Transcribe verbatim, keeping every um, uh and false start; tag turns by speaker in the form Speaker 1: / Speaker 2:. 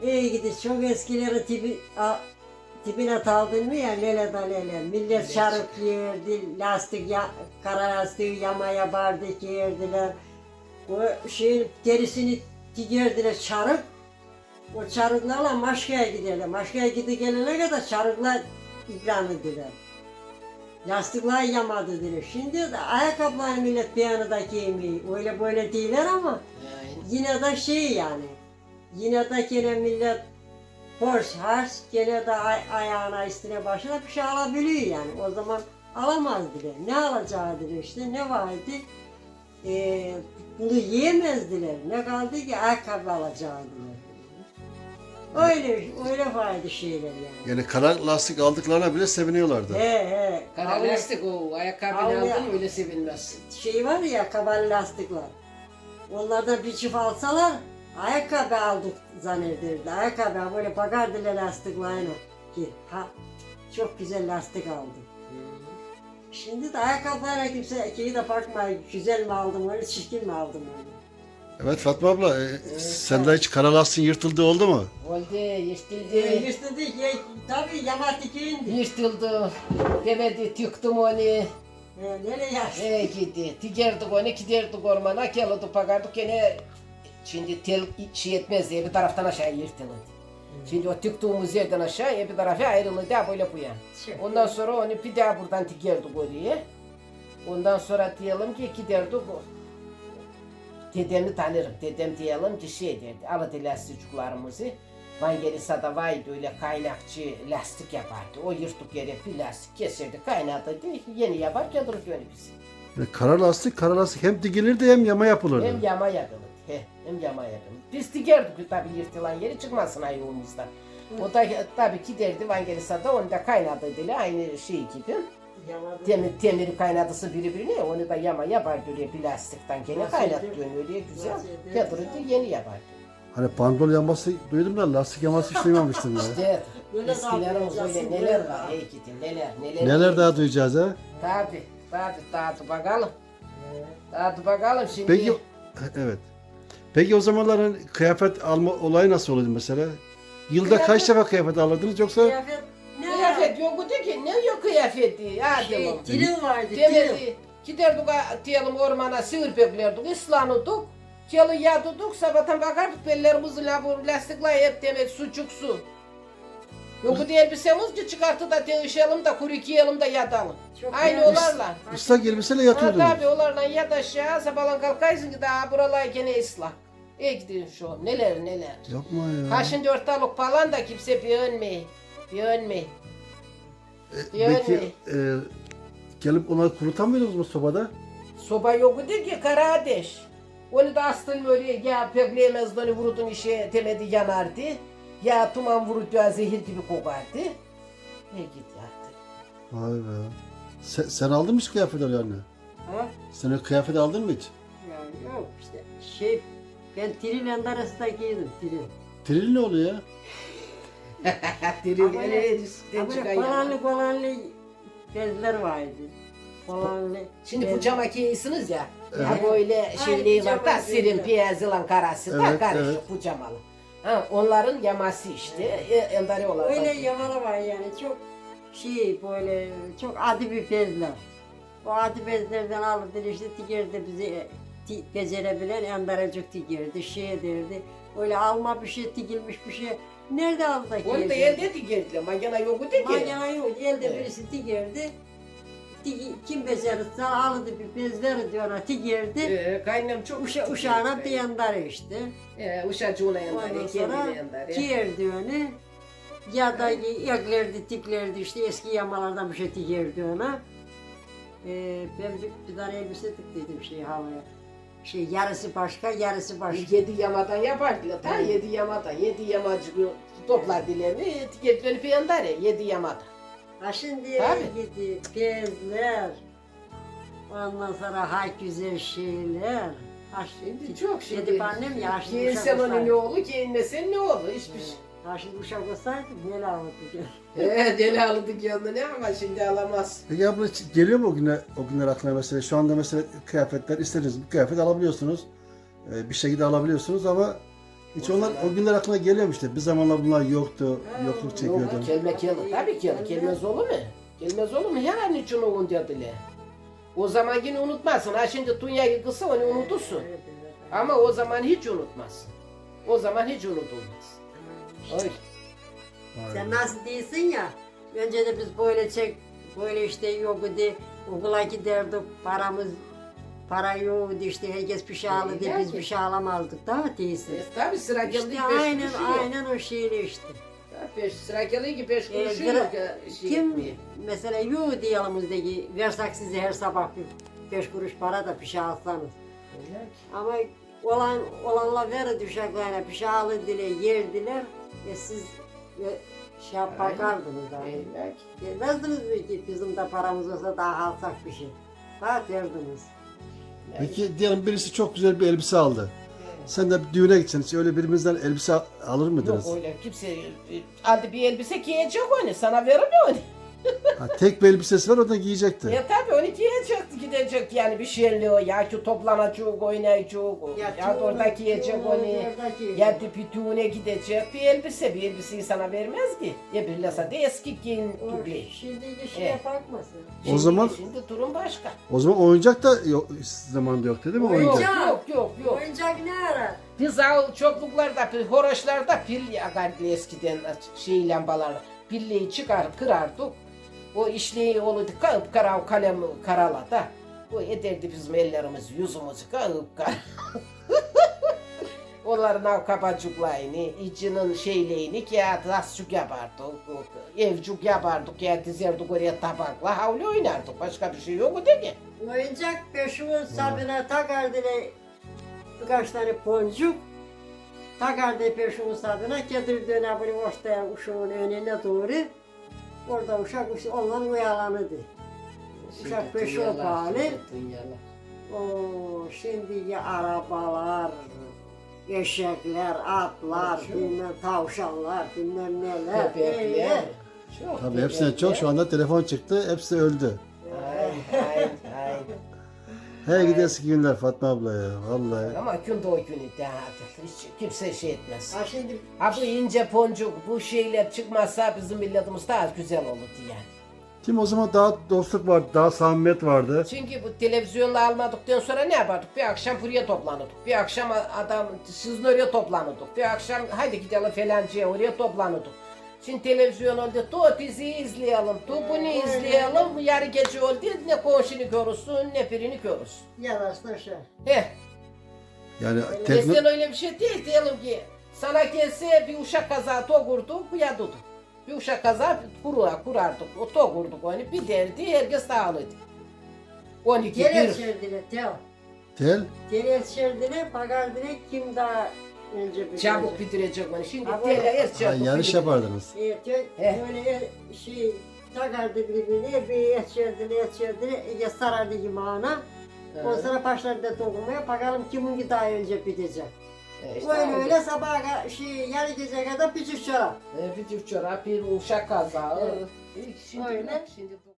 Speaker 1: İyi gidi çok eskileri tipi, a, tipine taldın mı ya lele da lele. Millet şarık yerdi, lastik ya, kara lastiği yamaya bardak yerdiler. O şeyin derisini dikerdiler çarık. O çarıklarla Maşka'ya giderler. Maşka'ya gidip gelene kadar çarıklar ikram ediler. Lastikler yamadı diyor. Şimdi de ayakkabılar millet bir yanı da giymiyor. Öyle böyle değiller ama yine de şey yani. Yine de gene millet borç harç gene de ay ayağına üstüne başına bir şey alabiliyor yani. O zaman alamaz diyor. Ne alacağı diyor işte ne vardı? Ee, bunu yiyemezdiler. Ne kaldı ki ayakkabı alacağı diyor. Öyle, öyle fayda şeyler yani.
Speaker 2: Yani kara lastik aldıklarına bile seviniyorlardı.
Speaker 1: He he.
Speaker 3: Kara
Speaker 1: Avlu-
Speaker 3: lastik o ayakkabını
Speaker 1: Avlu-
Speaker 3: aldın öyle sevinmez.
Speaker 1: Şey var ya kabalı lastikler. Onlardan bir çift alsalar ayakkabı aldık zannederdi. Ayakkabı böyle bakardılar lastiklerine ki ha çok güzel lastik aldım. Şimdi de ayakkabılara kimse şeyi de bakmıyor. Güzel mi aldım öyle çirkin mi aldım öyle.
Speaker 2: Evet Fatma abla, e, sende hiç kara lastiğin yırtıldığı oldu mu?
Speaker 3: Oldu,
Speaker 1: Ee,
Speaker 3: yırtıldı.
Speaker 1: üstünde ya, tabii yamatik indi.
Speaker 3: Yırtıldı. Demedi, tüktüm onu.
Speaker 1: Ee, nereye yaşlı?
Speaker 3: E gitti. Tigerdik onu, giderdik ormana, gelirdik bakardık gene. Şimdi tel şey etmez diye bir taraftan aşağı yırtıldı. Şimdi o tüktüğümüz yerden aşağıya bir tarafa ayrıldı da böyle bu yan. Ondan sonra onu bir daha buradan tigerdik oraya. Ondan sonra diyelim ki giderdik. Dedemi tanırım. Dedem diyelim ki şey derdi. Aladı lastikçuklarımızı. Vangelisa'da vaydı öyle kaynakçı lastik yapardı. O yırtık yere bir lastik keserdi, kaynatırdı. Yeni yapar gelirdi öyle bizi.
Speaker 2: Yani kara lastik, kara lastik hem dikilirdi hem yama yapılırdı.
Speaker 3: Hem yama yapılırdı. He, hem yama yapılırdı. Biz dikerdik tabii yırtılan yeri çıkmasın ayağımızdan. O da tabii giderdi Vangelisa'da onu da kaynatırdı. Aynı şey gibi. Demir, demiri kaynatısı birbirine onu da yama yapardı öyle bir lastikten gene kaynattı öyle güzel. Gelirdi yeni yapardı.
Speaker 2: Hani pandol yaması duydum da lastik yaması hiç duymamıştım ya.
Speaker 3: İşte
Speaker 1: Böyle
Speaker 3: eskilerimiz
Speaker 1: daha
Speaker 3: öyle
Speaker 1: böyle
Speaker 3: neler
Speaker 1: daha.
Speaker 3: var ey gidin neler neler.
Speaker 2: Neler daha duyacağız ha?
Speaker 3: Tabi tabi tabi bakalım. Tabi bakalım şimdi.
Speaker 2: Peki, evet. Peki o zamanların kıyafet alma olayı nasıl oluyordu mesela? Yılda
Speaker 3: Kıyafet-
Speaker 2: kaç defa kıyafet alırdınız yoksa?
Speaker 1: Kıyafet ne
Speaker 3: Kıyafet yoktu ki ne yok kıyafeti. Hadi
Speaker 1: Şey,
Speaker 3: bakalım.
Speaker 1: dilim vardı, dilim.
Speaker 3: Demedi. Giderdik a- diyelim ormana sığır beklerdik, ıslanırdık. Yalı yadırdık, sabahtan bakardık bellerimizi la bu lastikler hep demek sucuk su. Yoktu elbisemiz ki çıkarttı da değişelim de kuru giyelim de yatalım.
Speaker 1: Çok
Speaker 3: Aynı
Speaker 1: güzel.
Speaker 3: olarla.
Speaker 2: Islak elbiseyle
Speaker 3: Ha
Speaker 2: yatıyordunuz.
Speaker 3: tabi olarla yat aşağı sabahlan kalkaysın ki daha buralar gene ıslak. İyi gidin şu an neler neler.
Speaker 2: Yapma ya.
Speaker 3: Ha şimdi ortalık falan da kimse beğenmeyi. Beğenmeyi.
Speaker 2: E,
Speaker 3: yani-
Speaker 2: Peki e, gelip onları kurutamıyordunuz mu sobada?
Speaker 3: Soba yoktu ki kara ateş. Onu da astın böyle ya pekleyemez onu vurudun işe demedi yanardı. Ya tuman vurdu ya zehir gibi kokardı. Ne git yattı.
Speaker 2: Vay be. Sen, sen aldın mı hiç kıyafet yani?
Speaker 1: Ha?
Speaker 2: Sen o kıyafeti aldın mı hiç?
Speaker 1: Ya yok işte şey ben Trilend arasında giydim Trilend.
Speaker 2: Tril ne oluyor ya?
Speaker 3: Diri
Speaker 1: Ama
Speaker 3: öyle
Speaker 1: ne-
Speaker 3: riskten
Speaker 1: Ha böyle
Speaker 3: çıkan yana.
Speaker 1: falanlı falanlı bezler vardı. Falanlı.
Speaker 3: Şimdi
Speaker 1: bez-
Speaker 3: bu cama giyiyorsunuz ya.
Speaker 2: Evet.
Speaker 3: Ha böyle şeyliği var da
Speaker 1: cama
Speaker 3: sirin
Speaker 1: giyiyor.
Speaker 3: piyazılan karası da
Speaker 2: Evet,
Speaker 3: karışık
Speaker 2: evet.
Speaker 3: bu camalı. Ha, onların yaması işte. E, endari olarak.
Speaker 1: Öyle yamalı var yani çok şey böyle çok adi bir bezler. O adi bezlerden alırdı işte tigerdi bizi ti, becerebilen endaracık tigerdi şey derdi. Öyle alma bir şey tikilmiş bir şey. Nerede aldı da
Speaker 3: Onu da
Speaker 1: giyecek?
Speaker 3: elde dikerdiler. Magana yoktu ki.
Speaker 1: Magana yok elde
Speaker 3: Evet.
Speaker 1: birisi tigerdi. Tigi, kim becerirse alırdı bir bez verirdi ona tigerdi.
Speaker 3: Ee, kaynım çok
Speaker 1: Uşa, uşağına bir yandarı işte.
Speaker 3: Ee, uşacığına
Speaker 1: Ondan
Speaker 3: yandarı,
Speaker 1: sonra
Speaker 3: kendine yandarı.
Speaker 1: giyerdi onu. Ya da eklerdi, tiklerdi işte eski yamalardan bir şey tiklerdi ona. Ee, ben bir, bir tane elbise tıktıydım şey havaya. Şey yarısı başka, yarısı başka.
Speaker 3: Yedi yamadan yapardılar. Ta yedi yamadan, yedi yamacı toplar dilemi, etiketleri bir yandarı, yedi yamadan.
Speaker 1: Ha şimdi
Speaker 3: Tabii.
Speaker 1: gidi bezler. Ondan sonra ha güzel şeyler. Ha
Speaker 3: Şimdi çok şimdi.
Speaker 1: Gidip annem yaşlı
Speaker 3: Giyinsen
Speaker 1: uşak
Speaker 3: onun ne
Speaker 1: olsaydı.
Speaker 3: olur, giyinmesen ne olur, hiçbir şey.
Speaker 1: Ha şimdi uşak olsaydı böyle alırdı.
Speaker 3: Ee, deli aldı kendine ama şimdi alamaz.
Speaker 2: Peki abla hiç geliyor mu o günler, o günler aklına mesela? Şu anda mesela kıyafetler istediğiniz bir kıyafet alabiliyorsunuz. Ee, bir şekilde alabiliyorsunuz ama Hiç
Speaker 3: O
Speaker 2: onlar
Speaker 3: zaman-
Speaker 2: o günler aklına geliyor mu işte? Bir zamanlar bunlar yoktu, yokluk
Speaker 3: Yok,
Speaker 2: çekiyordu.
Speaker 3: kelme kelme. Tabii ki gelmez olur mu? Gelmez olur mu? Yani için o dediler. O zaman yine unutmazsın. Ha şimdi dünyayı kısa onu unutursun.
Speaker 1: Evet, evet.
Speaker 3: Ama o zaman hiç unutmazsın. O zaman hiç unutulmaz. Oy.
Speaker 2: Vay
Speaker 1: Sen
Speaker 2: be.
Speaker 1: nasıl değilsin ya, önce de biz böyle çek, böyle işte yok idi, okula giderdik, paramız, para yoktu işte, herkes bir şey alırdı,
Speaker 3: Öyle
Speaker 1: biz
Speaker 3: ki.
Speaker 1: bir şey alamazdık, daha değilsin.
Speaker 3: E, tabii sıra geldi
Speaker 1: İşte
Speaker 3: beş
Speaker 1: aynen,
Speaker 3: kuruşu yok.
Speaker 1: aynen o şeyle işte.
Speaker 3: Ya Beş, sıra geldi ki beş
Speaker 1: Ee,
Speaker 3: kuruşu
Speaker 1: gra-
Speaker 3: yok. ya, Şey
Speaker 1: Kim
Speaker 3: etmeye.
Speaker 1: mesela yok diye yanımızdaki, versek size her sabah bir beş kuruş para da bir şey alsanız.
Speaker 3: Öyle ki.
Speaker 1: Ama olan olanla verirdi uşaklarına, bir şey alırdılar, yerdiler, e siz e, şey yap
Speaker 3: Aynen.
Speaker 1: bakardınız abi.
Speaker 3: Öyle ki.
Speaker 1: Gelmezdiniz mi ki bizim de paramız olsa daha alsak bir şey. Daha derdiniz.
Speaker 2: Peki diyelim birisi çok güzel bir elbise aldı. Sen de bir düğüne gitsen hiç öyle birimizden elbise alır mıydınız?
Speaker 3: Yok öyle kimse e, aldı bir elbise giyecek onu sana verir mi onu?
Speaker 2: Ha, tek bir elbisesi var o da giyecekti.
Speaker 3: Ya tabii onu giyecek gidecek yani bir şeyli o ya ki toplanacak oynayacak ya, ya da orada giyecek onu. Ya da bir düğüne gidecek bir elbise bir elbiseyi sana vermez ki. Ya birlese de eski giyin gibi.
Speaker 1: Şimdiki şeye
Speaker 3: Evet.
Speaker 1: bakmasın.
Speaker 2: O zaman-
Speaker 3: Şimdi durum başka.
Speaker 2: O zaman oyuncak da yok, zamanında yoktu değil mi
Speaker 1: Oyuncak.
Speaker 2: oyuncak?
Speaker 3: Yok yok yok.
Speaker 1: Oyuncak ne ara?
Speaker 3: Biz av çokluklarda, pil- horoşlarda pil yakardı eskiden şey lambalar. Pilliyi çıkar kırardık. O işleyi olurdu kağıp kara kalem karala da. O ederdi bizim ellerimiz yüzümüzü kağıp kara. Onların kabacıklarını, içinin şeylerini kağıt lasçuk yapardık. Evcuk yapardık, kağıt dizerdik oraya tabakla havlu oynardık. Başka bir şey yok değil ki.
Speaker 1: Oyuncak peşimin sabine takardı birkaç tane boncuk. Takardı peşimin sabine, getirdi öne böyle ortaya uşağın önüne doğru. Orada uşak uşak ondan uyalanırdı. Uşak peşi o pahalı. O şimdiki arabalar, eşekler, atlar,
Speaker 3: Çok.
Speaker 1: bilmem tavşanlar, bilmem neler.
Speaker 3: Köpekler.
Speaker 1: öyle.
Speaker 3: Çok
Speaker 2: Tabii hepsine çok şu anda telefon çıktı hepsi öldü.
Speaker 3: Aynen aynen aynen.
Speaker 2: He gideski günler Fatma abla ya vallahi.
Speaker 3: Ama gün o günü daha hiç kimse şey etmez.
Speaker 1: Ha şimdi
Speaker 3: Ha bu ince poncuk bu şeyler çıkmazsa bizim milletimiz daha güzel olurdu yani.
Speaker 2: Kim o zaman daha dostluk vardı, daha samimiyet vardı.
Speaker 3: Çünkü bu televizyonla almadıktan sonra ne yapardık? Bir akşam buraya toplanırdık. Bir akşam adam sizin oraya toplanırdık. Bir akşam haydi gidelim falancaya oraya toplanırdık. Şimdi televizyon oldu, tu dizi izleyelim, tu bunu izleyelim. Yarı gece oldu, ne komşunu görürsün, ne birini görürsün.
Speaker 1: yavaşla şey.
Speaker 3: Heh,
Speaker 2: Yani tekno...
Speaker 3: eskiden öyle bir şey değil, diyelim ki sana gelse bir uşak kaza togurdu, kuyaduduk. Bir uşak kaza kurura, kurardık, o togurduk onu, bir derdi, herkes dağılırdı. on iki,
Speaker 1: Gel
Speaker 3: bir.
Speaker 1: şerdine tel.
Speaker 2: Tel,
Speaker 1: Gel şerdine bakardine kim daha önce bitirecek.
Speaker 3: Çabuk bitirecek onu, şimdi
Speaker 1: Ama-
Speaker 3: tele her
Speaker 2: ha,
Speaker 3: çabuk
Speaker 2: yarış
Speaker 3: bitirecek.
Speaker 2: yapardınız.
Speaker 1: E, tö-
Speaker 3: He.
Speaker 1: böyle şey takardı birbirine bir et şerdine et şerdine ya sarardı yumağına. O
Speaker 3: He.
Speaker 1: sonra başladı dokunmaya bakalım kiminki daha önce bitecek.
Speaker 3: E işte
Speaker 1: Öyle
Speaker 3: öyle.
Speaker 1: öyle sabaha ka- şey yarı gece kadar pişir çorap.
Speaker 3: E, bir çift çorap, bir uşak kaza.
Speaker 1: Evet.
Speaker 3: E, Şimdi,
Speaker 1: Öyle.
Speaker 3: şimdi